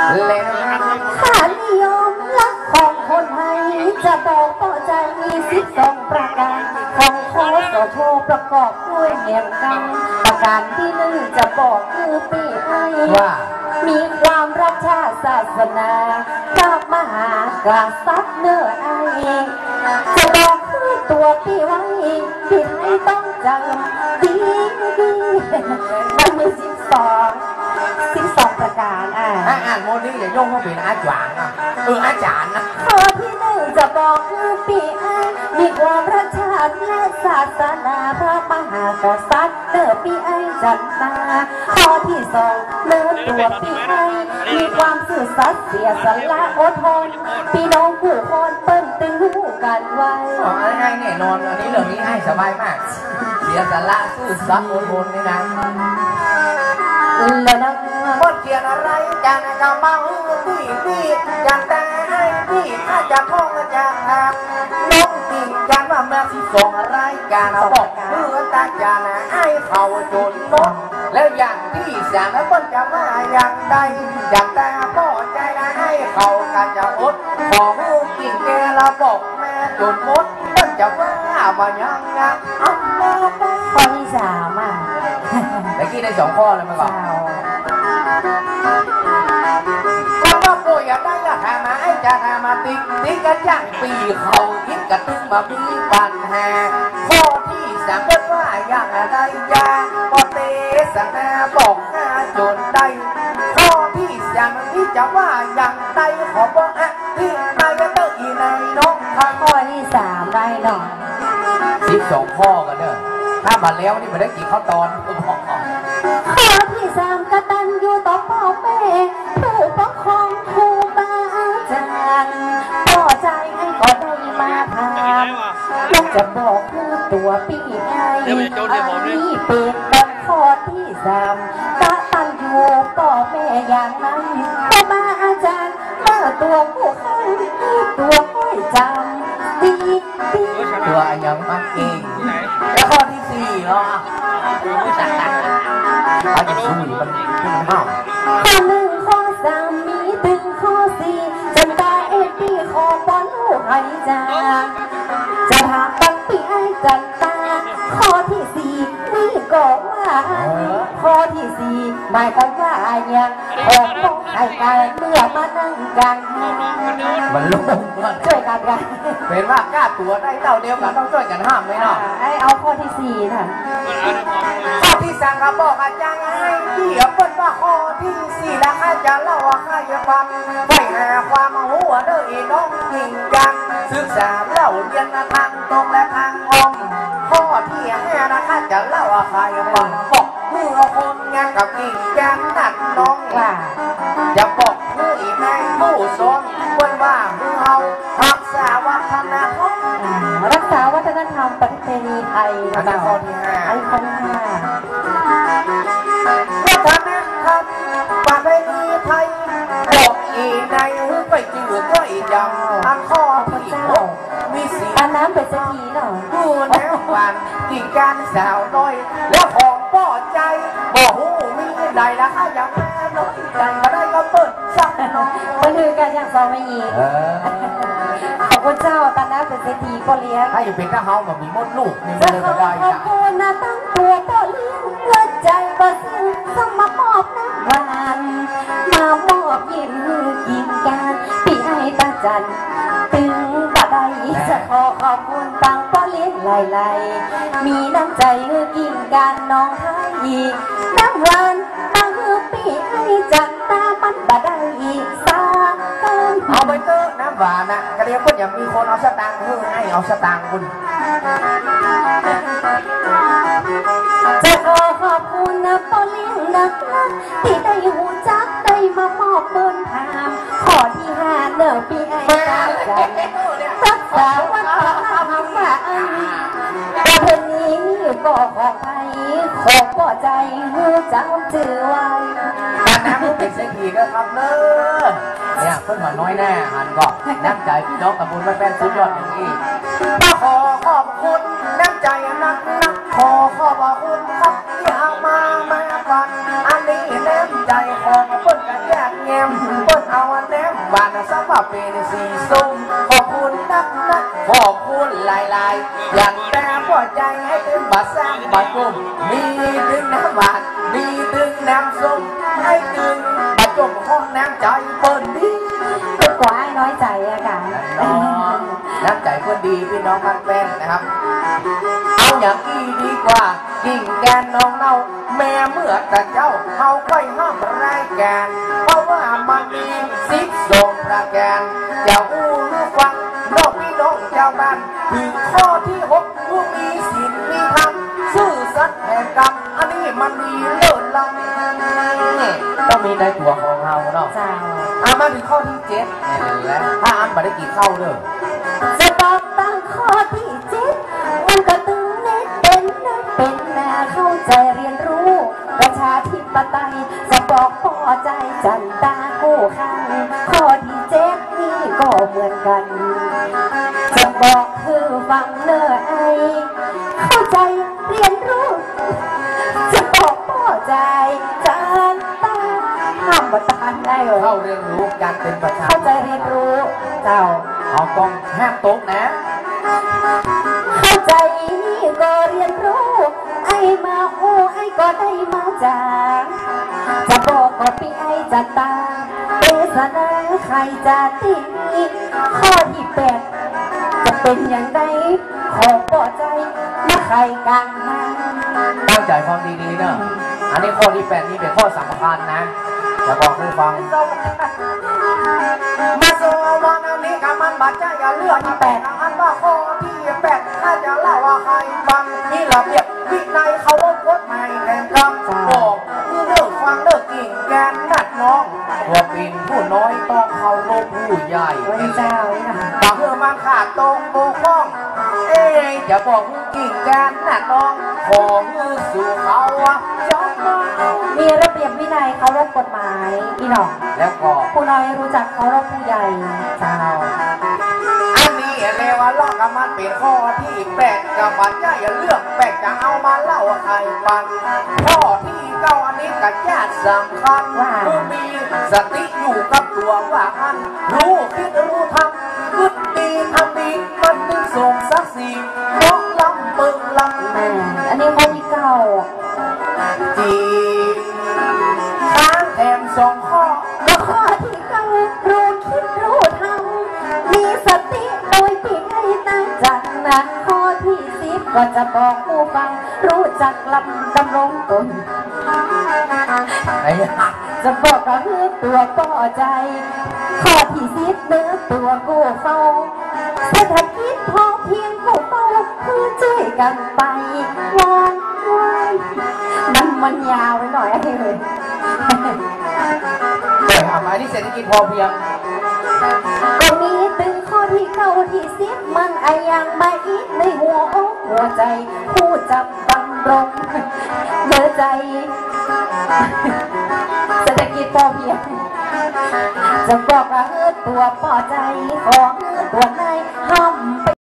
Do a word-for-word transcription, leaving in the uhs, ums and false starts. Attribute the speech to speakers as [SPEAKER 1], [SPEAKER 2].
[SPEAKER 1] ค่านิยมรักของคนไทยจะบอกต่อใจมีสิบสองประการของคอสชประกอบด้วยเหมือนกันประการที่หนึ่งจะบอกคือปีไอว่ามีความรักชาติศาสนาพระมหากษัตริย์เนื้อไอจะบอกคือตัวปีไว้ปีไทยต้องจำดีดีมันมีสิบสองสิบสองประการอ่ะ
[SPEAKER 2] อ่านโมนี่อย่าโยงว่าเป็นอาจารย์นะเอออาจารย์นะ
[SPEAKER 1] ข้อที่หนึ่งจะบอกคือปีไอมีความรักชาติและศาสนาพระมหากษัตริย์เนื้อปีไอจันทราข้อที่สองเนื้อตัวปีไอมีความซื่อสัตย์เสียสละอดทนพี่น้องผู้คนเปิ้นตึงหูกันไว้
[SPEAKER 2] อ๋อง่ายแน่นอนอันนี้เรื่องนี้ให้สบายมากเสียสละซื่อสัตย์อดทนนี่นะ
[SPEAKER 1] แล้วนะ
[SPEAKER 2] บทเขียนอะไรจานกำมังพี่พี่จานแต่ให้พี่อาจจะคงจะทำน้องตีจานว่าเมื่อสิส่งอะไรจานบอกเมื่อตาจานให้เขาจนหมดแล้วอย่างที่สามแล้วคนจะมาอย่างใดจานแต่พ่อใจนะให้เขากันจะอดขอหูกินแกละบอกแม่จนหมดคนจะมาบ่ยังไง
[SPEAKER 1] ข้อที่สามอ่ะ
[SPEAKER 2] เมื่อกี้ได้สองข้อเลยมาก่อนก็ว่าโปรยได้ละหามาไอ้จะหามาติ๊กติ๊กกันอย่างปีเขาคิดกันตึงมามีปัญหาข้อที่สามก็ว่าอย่างไรยาปอเตสังหาบอกหน้าจนได้ข้อที่สามที่จะว่าอย่างไรขอบอกอ่ะที่นายจะเตออีในน้อง
[SPEAKER 1] ข้อที่สามได้หน่อย
[SPEAKER 2] สิบสองข้อกันเด้อถ้ามาแล้วนี่มาได้กี่ข้อตอน
[SPEAKER 1] ข้อที่สามกตัญญูต่อพ่อแม่ผู้ปกครองครูบาอาจารย์พ่อใจให้ก็ได้มาถามลูกจะบอกคือตัวปีไออันนี้เป็นบทข้อที่สามกตัญญูต่อแม่อย่างนั้นครูบาอาจารย์เมื่อตัวผู้ข้างตัวไม่จำดีดี
[SPEAKER 2] ตัวยังมักเองแล้วข้อที่สี่เหรอเขาจะสู้มันขึ้นมันห้าว
[SPEAKER 1] ข้อหนึ่งข้อสามมีถึงข้อสี่จนตาเอ็ดปีขอบอลลูกให้จางจะถามตั้งปีไอ้จันตาข้อที่สี่นี่ก็ว่าข้อที่สี่หมายความว่าอย่างของต้องให้กันเมื่อมานั่งกัน
[SPEAKER 2] มันลุ่ม
[SPEAKER 1] ช่วยกันกัน
[SPEAKER 2] เป็นว่ากล้าตัวได้เต่าเดียวกันต้องช่วยกันห้ามไหมเนาะ
[SPEAKER 1] ไอเอาข้อที่สี่ค่ะ
[SPEAKER 2] ข้อที่สามครับบอกอาจารย์ให้ที่เปิดว่าข้อที่สี่แล้วอาจารย์เล่าว่าให้ฟังไปหาความหัวเด้ออีน้องจริงจังศึกษาเล่าเรียนทางตรงและทางอ้อมข้อที่ห้านะคะจะเล่าว่าใครฟังบอกเมื่อคนงานกับกิ่งจังนัดน้องว่าจะบอกผู้อีแม่ผู้สอนควรว่าผู้เฮารักษาวัฒนธรรม
[SPEAKER 1] รักษาวัฒนธรรมประเพณีไทย
[SPEAKER 2] อันนี้ข้อที่ห้า
[SPEAKER 1] อันข้อที่ห้า
[SPEAKER 2] วัฒนธรรมประเพณีไทยบอกอีในหูไปจืดก็อีจำอันข้อที่หกมีสี
[SPEAKER 1] อันน้ำเป็นสักทีหน่อย
[SPEAKER 2] ดูแนววันกิ่งการสาวน้อยแล้วของป้อใจบอกหูมีใดละค่ะอย่างแม่น้อยใจมาได้ก็เปิดสักน้อย
[SPEAKER 1] คนอื่นกันอย่างสองไม่ยีขอบคุณเจ้าตอนนั้นเป็นเศรษฐีก็เลี้ยง
[SPEAKER 2] ถ้าอยู่เป็นข้าเฮาแบบมีมดลูกนี่
[SPEAKER 1] มันเลยได้ขอบคุณนะตั้งตัวก็เลี้ยงเงินใจก็ซื้อสมามอบน้ำหวานมามอบยิ้มกินกันพี่ไอ้ตาจันตึงบะไดจะขอขอบคุณตังก็เลี้ยงไหลๆมีน้ำใจกินกันน้องให้น้ำหวานมาฮือพี่ไอ้จันตามันบะไดสา
[SPEAKER 2] เอาไปเตอร์น้ำหวานนะกระเดียวก็อย่ามีคนเอาสตางค์เฮ้ให้เอาสตางค์คุณ
[SPEAKER 1] จะขอขอบคุณนะพ่อเลี้ยงนักที่ได้หูจักได้มามอบเบิ้ลถามข้อที่ห้าเนื้อปีไอ้ตาจันรักษาวัฒนธรรมว่าอันประเพณีนี้ก็ของไทยขอพ่อใจหูจำจือไว้
[SPEAKER 2] การน้ำมันเป็นเศรษฐีก็ครับเนอะเนี่ยเพิ่งหัวน้อยแน่หันก็น้ำใจพี่น้องตำบลบ้านแป้นสุดยอดอย่างนี้มาขอขอบคุณน้ำใจนักนักขอขอบคุณครับที่เอามาแม่ฟันอันนี้น้ำใจของเปิ้ลกันแยกแยมเปิ้ลบ้านสำหรับเป็นสีส้มขอบคุณนักนักขอบคุณหลายหลายอย่างแต่พอใจให้ถึงบาสร้างบาจมมีถึงน้ำหวานมีถึงน้ำส้มให้ถึงบาจมห้องน้ำใจเปิ้นดี
[SPEAKER 1] เป็นกว่าไอ้น้อยใจอะค่ะ
[SPEAKER 2] น้ำใจเปิ้นดีพี่น้องมันแป้นนะครับเอาอย่างอีดีกว่ากิ่งแกนน้องเน่าแม่เมื่อแต่เจ้าเขาค่อยห้ามรายการเพราะว่ามันมีสิบสองประการเจ้าอู้รู้ฟังนอกพี่น้องเจ้าบ้านถึงข้อที่หกผู้มีศีลมีธรรมซื่อสัตย์แห่งกรรมอันนี้มันมีเลิศล้ำต้องมีในตัวของเราเนาะอ่ะมาถึงข้อที่เจ็ดแล้วถ้าอันมาได้กี่เข้าเนอะ
[SPEAKER 1] จะบอกตั้งข้อที่เจ็ดมันก็ตึงเน็ตเป็นเน็ตเป็นแม่เข้าใจเรียนรู้ประชาธิปไตยจะบอกพอใจจันตากู้ข้างข้อที่เจ็ดนี่ก็เหมือนกันจะบอกคือฟังเนอไอเข้าใจเรียนรู้จะบอกพอใจจันตาห้ามบัตานได้เหรอ
[SPEAKER 2] เข้าเรียนรู้การเป็นประชา
[SPEAKER 1] เข้าใจเรียนรู้เจ้า
[SPEAKER 2] เอากองห้ามตกนะ
[SPEAKER 1] เข้าใจนี่ก็เรียนรู้ไอ้มาโอ้ไอ้ก็ได้มาจากจะบอกก็ปีไอ้จะตาเปสนาใครจะตีข้อที่แปดจะเป็นอย่างไรขอปลอใจมาใครกลางมา
[SPEAKER 2] ตั้งใจฟังดีๆเนอะอันนี้ข้อที่แปดนี้เป็นข้อสำคัญนะจะบอกให้ฟังมาโซวันนี้กำมันบัดใจอย่าเลือกที่แปดอันว่าข้อที่แปดถ้าจะเล่าว่าใครฟังนี่ระเบียบวินัยเขาว่ากฎหมายแห่งกรรมบอกคือเลิกฟังเลิกกิ่งแกนนัดน้องว่าเป็นผู้น้อยต้องเคารพผู้ใหญ่
[SPEAKER 1] เจ้า
[SPEAKER 2] บางเมื่อมันขาดตรงบกพร่องเอ๊ยจะบอกคือกิ่งแกนนัดน้องขอมือสู่เขาจอมมา
[SPEAKER 1] มีระเบียบวินัยเคารพกฎหมายอีหนอง
[SPEAKER 2] แล้วก็
[SPEAKER 1] ผู้น้อยรู้จักเคารพผู้ใหญ่เจ้า
[SPEAKER 2] อันนี้เรียกว่าล่อกับมันเป็นข้อที่แปดกับมันจะอย่าเลือกแปดจะเอามาเล่าใครฟังข้อที่เก้าอันนี้กับญาติสำคัญว่าผู้มีสติอยู่กับตัวว่าอันรู้คิดรู้ทำคิดดีทำดีมันถึงส่งสักสีน้องลำเปิงลำ
[SPEAKER 1] แม่อันนี้ข้อที่เก้า
[SPEAKER 2] จีค้างแถมสองข้อ
[SPEAKER 1] ก็ข้อที่เก้ารู้คิดรู้ทำมีสติโดยที่ให้ตั้งจักนะข้อที่สิบก็จะบอกผู้ฟังรู้จักลำดำรงตนจะบอกก็คือตัวป่อใจข้อที่สิบเนื้อตัวกู้เฝ้าเศรษฐกิจพอเพียงกู้เฝ้าคือช่วยกันไปวางไว้มันมันยาวไปหน่อยเลย
[SPEAKER 2] แต่ทำไมที่เศรษฐกิจพอเพียง
[SPEAKER 1] ก็มีตึงข้อที่เก้าที่สิบมันไอยังมาอีกในหัวอกหัวใจผู้จับบังรงเนื้อใจเศรษฐกิจพอเพียงจะบอกว่าเออตัวพอใจของตัวในห้ามไป